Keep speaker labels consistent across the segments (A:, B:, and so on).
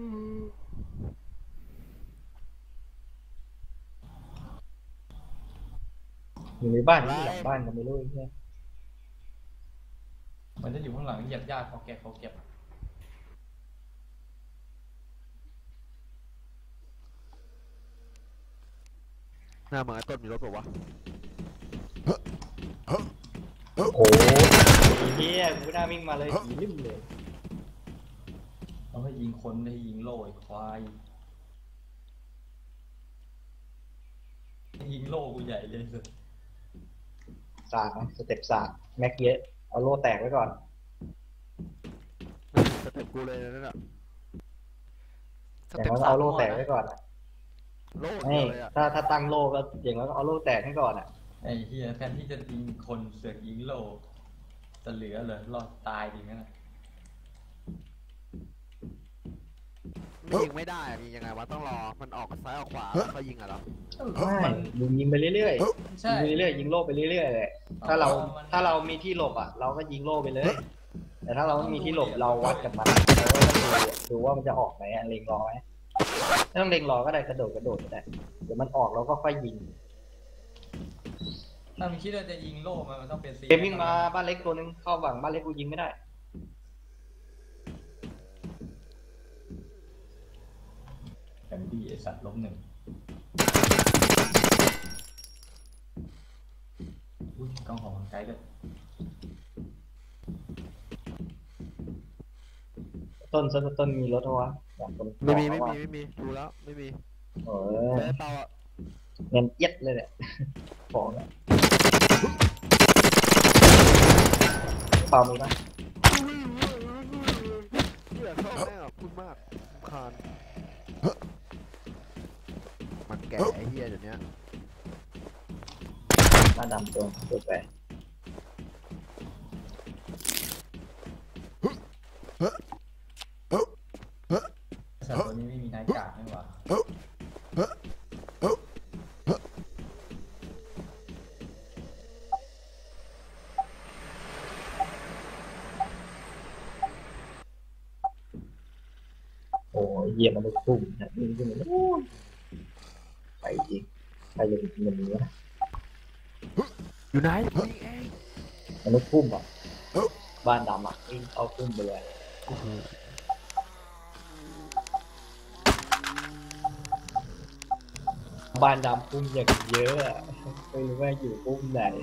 A: อยู่ในบ้านที่หลังบ้านก็ไม่รู้ใช่ไหม
B: มันจะอยู่ข้างหลังเหยียบยากเขาเก็บ
C: หน้าเหมือนไอ้ต้นมีรถเปล่าวะ
A: โอ้โหเฮียกูน่าวิ่งมาเลยผีริมเลย
B: เราให้ยิงคนให้ยิงโล่ไอ้ควายยิงโล่กูใหญ่เลยสุด
A: สากสเต็ปสากแม็กเยอะเอาโล่แตกไว้ก่อน
C: สเต็ปกูเลยนั่นแหละ
A: อย่างน้อยเอาโล่แตกไว้ก่อน
C: โล่
A: ไม่
C: เดียวเลยอ่ะ
A: ถ้าตั้งโล่ก็อย่างน้อยก็เอาโล่แตกให้ก่อนอ่ะ
B: ไอ้เฮียแทนที่จะยิงคนเสือกยิงโล่จะเหลือเลยรอดตายดีงั้นนะ
C: ไม่ยิงไม่ได้ยิงยังไงวะต้องรอมันออกซ้ายออกขวาแล้วก็ยิงอ่ะเหรอ
A: ไม่ยิงไปเรื่อยๆ
B: ใช่
A: ยิงไปเรื่อยๆยิงโล่ไปเรื่อยๆเลยถ้าเรามีที่หลบอ่ะเราก็ยิงโล่ไปเลยแต่ถ้าเราไม่มีที่หลบเราวัดกับมันเราก็ต้องดูว่ามันจะออกไหมเล็งรอไหมไม่ต้องเล็งรอก็ได้กระโดดก็ได้เดี๋ยวมันออกเราก็ค่อยยิง
B: ถ้ามึงคิดว่าจะยิงโล่มันต้องเป็นซี
A: เกมวิ่งมาบ้านเล็กตัวนึงเข้าฝั่งบ้านเล็กกูยิงไม่ได้
B: แต่ดีไอสัตว์ล้มหนึ่งอุ้ยกล้องของไกลด้วย
A: ต้นมีรถเหรอวะอยากคน
C: ไม่มีดูแล้วไม่มี
A: เออ
C: แต่เปล่าอ่ะ
A: เงินเอียดเลยเนี่ยของเนี่ยเปล่ามีปะ
C: เหี้ยเข้าแน่พูดมากคานมันแก่ไอ้เหี้ยเดี๋ยวนี้
A: หน้าดำตัวแปร
B: สัตว์ตัวนี้ไม่มีนายกากนี่หว่า
A: โอ้ยเยี่ยมันลูกพุ่งนะนี่ขึ้นมาไปจริงไปเลยเงินนี้นะ
C: อยู่ไหนยิงเอง
A: มันลูกพุ่งอ่ะบ้านดำอ่ะวิ่งเอาพุ่งไปเลยบ้านดำพุ่งอย่างเยอะอะไม่รู้ว่าอยู่พุ่งไหน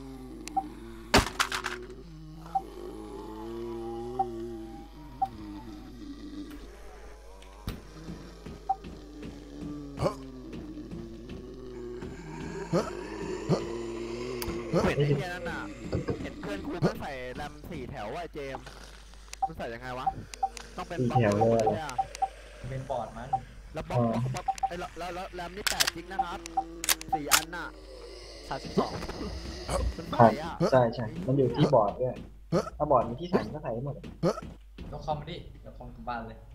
C: เห็นไอ้เหี้ยนั่นน่ะเห็นเพื่อนกูไม่ใส่แรม4 แถวว่ะเจมมันใส่ยังไงวะต้องเป็นบล็อกเลยใช่ไหม
B: เป็นปอดมัน
C: แล้วบล็อกไอ้แล้วแรมนี่8 จริงนะครับ4 อันน่ะ32มันใส่อ่ะ
A: ใช่มันอยู่ที่บอร์ดด้วยถ้าบอร์ดมีที่ใส่ก็ใส่หมด
B: ยกคอมมาดิยกคอมกลับบ้านเลย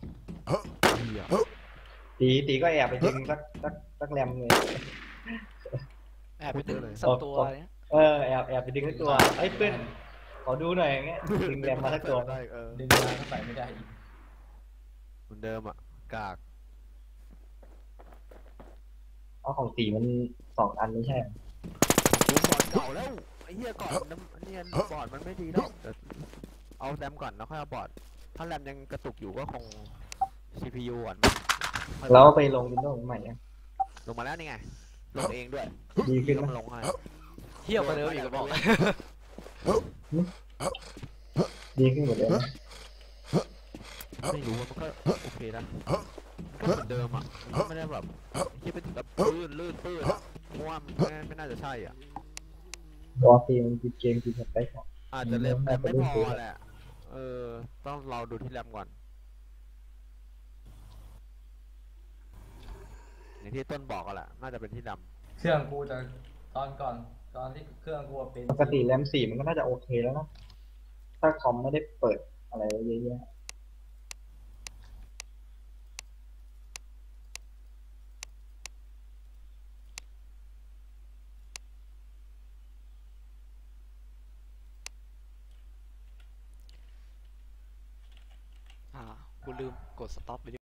A: ตีก็แอบไปดึงสักแรมเลย
D: แอบไปดึงสักตัวเนี้ย
A: แอบไปดึงสักตัวไอ้เพื่อนขอดูหน่อยอย่างเงี้ยดึงแรมมาสักตัว
C: ได้
B: ดึงมาก็ใส่ไม่ได้อีก
C: เหมือนเดิมอ่ะกาก
A: เอาของตีมัน2 อันไม่ใช่
C: กูบอร์ดเก่าแล้วไอ้เหี้ยก่อนน้ำเนี่ยบอร์ดมันไม่ดีแล้วเอาแรมก่อนแล้วค่อยเอาบอร์ดถ้าแรมยังกระตุกอยู่ก็คง CPU ก่อน
A: แล้วไปลงวินโดว์ใหม่ยัง
C: ลงมาแล้วนี่ไงลงเองด้วย
A: ดีขึ้นไหม
C: ลงให้
D: เที่ยวมาเดิมอีกบอก
A: ดีขึ้นหมดเลยนะ
C: ไม่รู้ว่ามันก็โอเคนะก็เหมือนเดิมอ่ะมันไม่ได้แบบคิดไปถึงแบบลื่นปื้ดเพราะว่ามันไม่น่าจะใช่อ่ะ
A: รอตีมันเกมสเปค
C: อาจจะแรมไม่พอแหละต้องเราดูที่แรมก่อนอย่างที่ต้นบอกกันแหละน่าจะเป็นที่แรม
B: เครื่องกูจะตอนที่เครื่องกูเป็น
A: ปกติแรม4มันก็น่าจะโอเคแล้วนะถ้าคอมไม่ได้เปิดอะไรเยอะ
D: กูลืมกดสต็อปไป